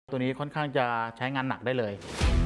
ตัวนี้ค่อนข้างจะใช้งานหนักได้เลย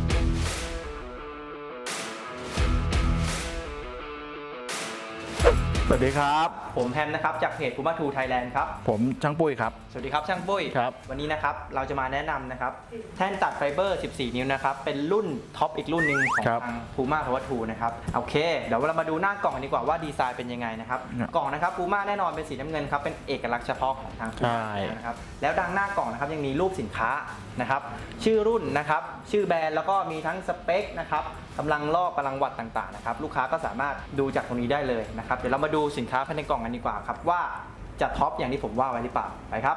สวัสดีครับผมแฮมนะครับจากเพจ Puma 2 Thailand ครับผมช่างปุ้ยครับสวัสดีครับช่างปุ้ยครับวันนี้นะครับเราจะมาแนะนำนะครับแท่นตัดไฟเบอร์ 14 นิ้วนะครับเป็นรุ่นท็อปอีกรุ่นหนึ่งของทาง Puma Power 2 นะครับโอเคเดี๋ยวเรามาดูหน้ากล่องกันดีกว่าว่าดีไซน์เป็นยังไงนะครับกล่องนะครับ Puma แน่นอนเป็นสีน้ำเงินครับเป็นเอกลักษณ์เฉพาะของทาง Puma นะครับแล้วดังหน้ากล่องนะครับยังมีรูปสินค้านะครับชื่อรุ่นนะครับชื่อแบรนด์แล้วก็มีทั้งสเปคนะครับกำลังรอบกำลังวัตต์ต่างๆนะครับลูกค้าก็สามารถดูจากตรงนี้ได้เลยนะครับเดี๋ยวเรามาดูสินค้าภายในกล่องกันดีกว่าครับว่าจะท็อปอย่างที่ผมว่าไว้หรือเปล่าไปครับ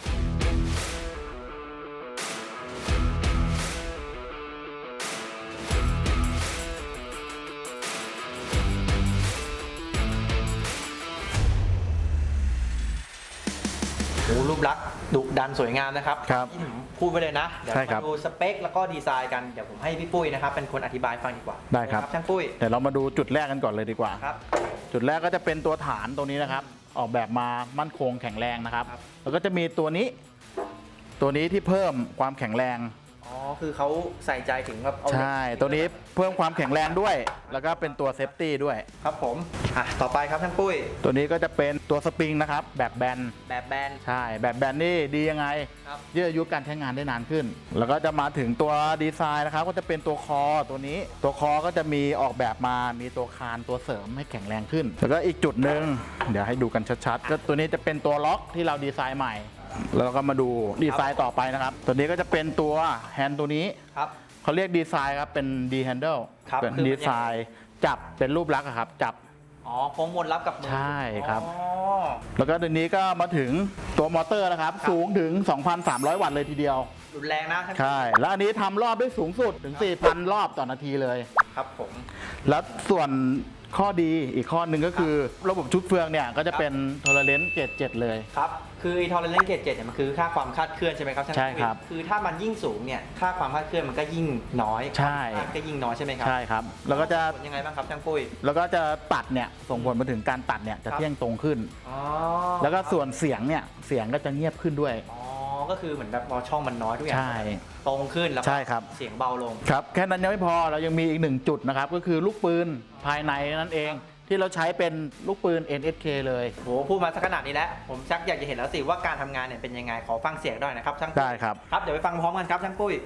รูปลักษณ์ดุดันสวยงามนะครับที่ผมพูดไปเลยนะเดี๋ยวมาดูสเปคแล้วก็ดีไซน์กันเดี๋ยวผมให้พี่ปุ้ยนะครับเป็นคนอธิบายฟังดีกว่าได้ครับช่างปุ้ยเดี๋ยวเรามาดูจุดแรกกันก่อนเลยดีกว่าครับจุดแรกก็จะเป็นตัวฐานตรงนี้นะครับออกแบบมามั่นคงแข็งแรงนะครับแล้วก็จะมีตัวนี้ที่เพิ่มความแข็งแรงอ๋อคือเขาใส่ใจถึงแบบใช่ตัวนี้เพิ่มความแข็งแรงด้วยแล้วก็เป็นตัวเซฟตี้ด้วยครับผมต่อไปครับช่างปุ้ยตัวนี้ก็จะเป็นตัวสปริงนะครับแบบแบนใช่แบบแบนนี่ดียังไงยืดอายุการใช้งานได้นานขึ้นแล้วก็จะมาถึงตัวดีไซน์นะครับก็จะเป็นตัวคอตัวนี้ตัวคอก็จะมีออกแบบมามีตัวคานตัวเสริมให้แข็งแรงขึ้นแล้วก็อีกจุดหนึ่งเดี๋ยวให้ดูกันชัดๆก็ตัวนี้จะเป็นตัวล็อกที่เราดีไซน์ใหม่แล้วก็มาดูดีไซน์ต่อไปนะครับตัวนี้ก็จะเป็นตัวแฮนด์ตัวนี้เขาเรียกดีไซน์ครับเป็นดีแฮนเดิลเป็นดีไซน์จับเป็นรูปลักษณ์ครับจับโค้งมนรับกับมือใช่ครับแล้วก็ตัวนี้ก็มาถึงตัวมอเตอร์นะครับสูงถึง 2,300 วัตต์เลยทีเดียวรุนแรงนะใช่แล้วอันนี้ทำรอบได้สูงสุดถึง 4,000 รอบต่อนาทีเลยครับผมแล้วส่วนข้อดีอีกข้อหนึ่งก็คือระบบชุดเฟืองเนี่ยก็จะเป็นโทเลเรนซ์เกรด 7เลยครับคือทอเลเรนซ์เกรด 7เนี่ยมันคือค่าความคาดเคลื่อนใช่ไหมครับใช่ครับคือถ้ามันยิ่งสูงเนี่ยค่าความคาดเคลื่อนมันก็ยิ่งน้อยใช่ก็ยิ่งน้อยใช่ไหมครับใช่ครับแล้วก็จะยังไงบ้างครับช่างปุ้ยแล้วก็จะตัดเนี่ยส่งผลมาถึงการตัดเนี่ยจะเที่ยงตรงขึ้นแล้วก็ส่วนเสียงเนี่ยเสียงก็จะเงียบขึ้นด้วยก็คือเหมือนแบบพอช่องมันน้อยทุกอย่างตรงขึ้นแล้วเสียงเบาลงครับแค่นั้นยังไม่พอเรายังมีอีกหนึ่งจุดนะครับก็คือลูกปืนภายในนั่นเองที่เราใช้เป็นลูกปืน NSK เลยโหพูดมาสักขนาดนี้แล้วผมชักอยากจะเห็นแล้วสิว่าการทำงานเนี่ยเป็นยังไงขอฟังเสียงด้วยนะครับช่างปุ้ยได้ครับครับเดี๋ยวไปฟังพร้อมกันครับช่างปุ้ย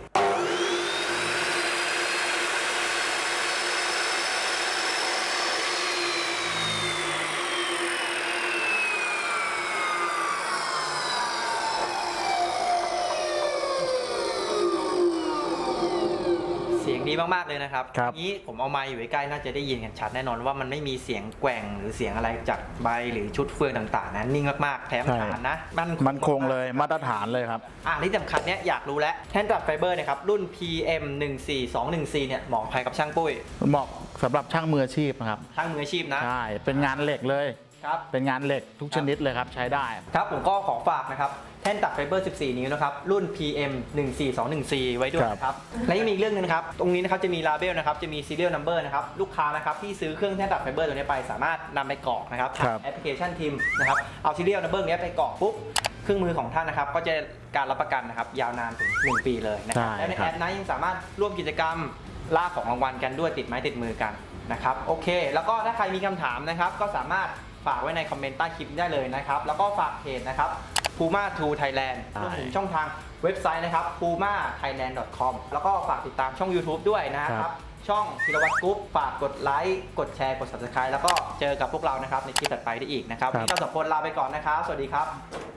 ดีมากๆเลยนะครับนี้ผมเอาไมค์อยู่ใกล้น่าจะได้ยินกันชัดแน่นอนว่ามันไม่มีเสียงแกว่งหรือเสียงอะไรจากใบหรือชุดเฟืองต่างๆนะนิ่งมากๆแถมฐานนะมันคงเลยมาตรฐานเลยครับที่สำคัญเนี้ยอยากรู้แล้วแท่นตัดไฟเบอร์เนี่ยครับรุ่น PM 14214เนี่ยเหมาะใครกับช่างปุ้ยเหมาะสำหรับช่างมืออาชีพนะครับช่างมืออาชีพนะใช่เป็นงานเหล็กเลยครับเป็นงานเหล็กทุกชนิดเลยครับใช้ได้ครับผมก็ขอฝากนะครับแท่นตัดไฟเบอร์ 14 นิ้วนะครับรุ่น PM 14214ไว้ด้วยนะครับและยังมีอีกเรื่องนึงนะครับตรงนี้นะครับจะมีลาเบลนะครับจะมี serial number นะครับลูกค้านะครับที่ซื้อเครื่องแท่นตัดไฟเบอร์ตัวนี้ไปสามารถนำไปกรอกนะครับทางแอปพลิเคชันทีมนะครับเอา serial number นี้ไปกรอกปุ๊บเครื่องมือของท่านนะครับก็จะการรับประกันนะครับยาวนานถึง1 ปีเลยนะครับและในแอปนั้นยังสามารถร่วมกิจกรรมล่าของรางวัลกันด้วยติดไม้ติดมือกันนะครับโอเคแล้วก็ถ้าใครมีคำถามนะครับก็สามารถฝากไว้ในคอมเมนต์ใต้คลิปได้เลยนะครับแล้วก็ฝากเพจนะครับ Puma 2 Thailand รวมถึงช่องทางเว็บไซต์นะครับ pumathailand.com แล้วก็ฝากติดตามช่อง YouTube ด้วยนะครับช่องธีรวัตรกรุ๊ปฝากกดไลค์กดแชร์กด Subscribe แล้วก็เจอกับพวกเรานะครับในคลิปถัดไปได้อีกนะครับวันนี้เราสองคนลาไปก่อนนะครับสวัสดีครับ